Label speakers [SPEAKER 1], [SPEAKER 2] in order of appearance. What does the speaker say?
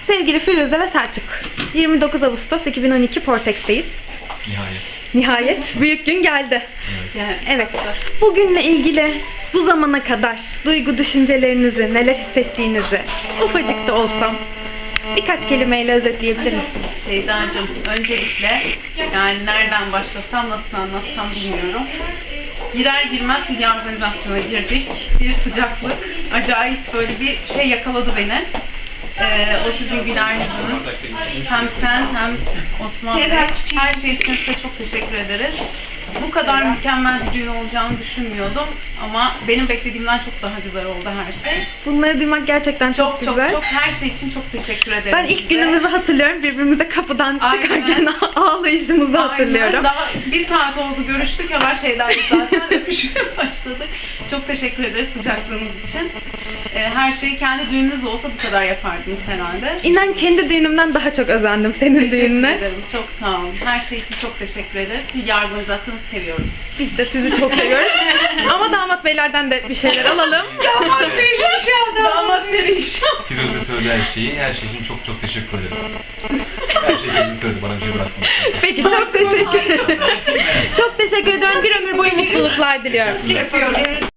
[SPEAKER 1] Sevgili Firuze ve Selçuk, 29 Ağustos 2012 Portex'teyiz. Nihayet büyük gün geldi. Evet. Bugünle ilgili bu zamana kadar duygu düşüncelerinizi, neler hissettiğinizi ufacık da olsam birkaç kelimeyle özetleyebilir misiniz?
[SPEAKER 2] Şeydacığım, öncelikle yani nereden başlasam, nasıl anlatsam bilmiyorum. Girer girmez Hülya organizasyona girdik. Bir sıcaklık, acayip böyle bir şey yakaladı beni. O sizin güler yüzünüz. Hem sen hem Osman Bey. Her şey için size çok teşekkür ederiz. Bu kadar mükemmel bir düğün olacağını düşünmüyordum ama benim beklediğimden çok daha güzel oldu her şey.
[SPEAKER 1] Bunları duymak gerçekten çok güzel.
[SPEAKER 2] Çok her şey için çok teşekkür ederim.
[SPEAKER 1] Ben ilk günümüzü hatırlıyorum. Birbirimize kapıdan çıkarken ağlayışımızı hatırlıyorum.
[SPEAKER 2] Daha bir saat oldu görüştük, hemen şeyden zaten öpüşmeye başladık. Çok teşekkür ederiz sıcaklığınız için. Her şeyi kendi düğününüz olsa bu kadar yapardınız herhalde.
[SPEAKER 1] İnan kendi düğünümden daha çok özendim senin düğününe.
[SPEAKER 2] Teşekkür ederim. Çok sağ olun. Her şey için çok teşekkür ederiz. Hülya organizasyonu seviyoruz.
[SPEAKER 1] Biz de sizi çok seviyoruz. Ama damat beylerden de bir şeyler alalım.
[SPEAKER 2] Damat perişan.
[SPEAKER 3] Firuze söyledi her şey için çok çok teşekkür ederiz. Her şeyi kendi söyledi, bana bir şey bırakmadı.
[SPEAKER 1] Peki çok teşekkür ederim. Çok teşekkür ediyorum. Bir ömür boyu mutluluklar diliyorum.
[SPEAKER 2] Yapıyoruz.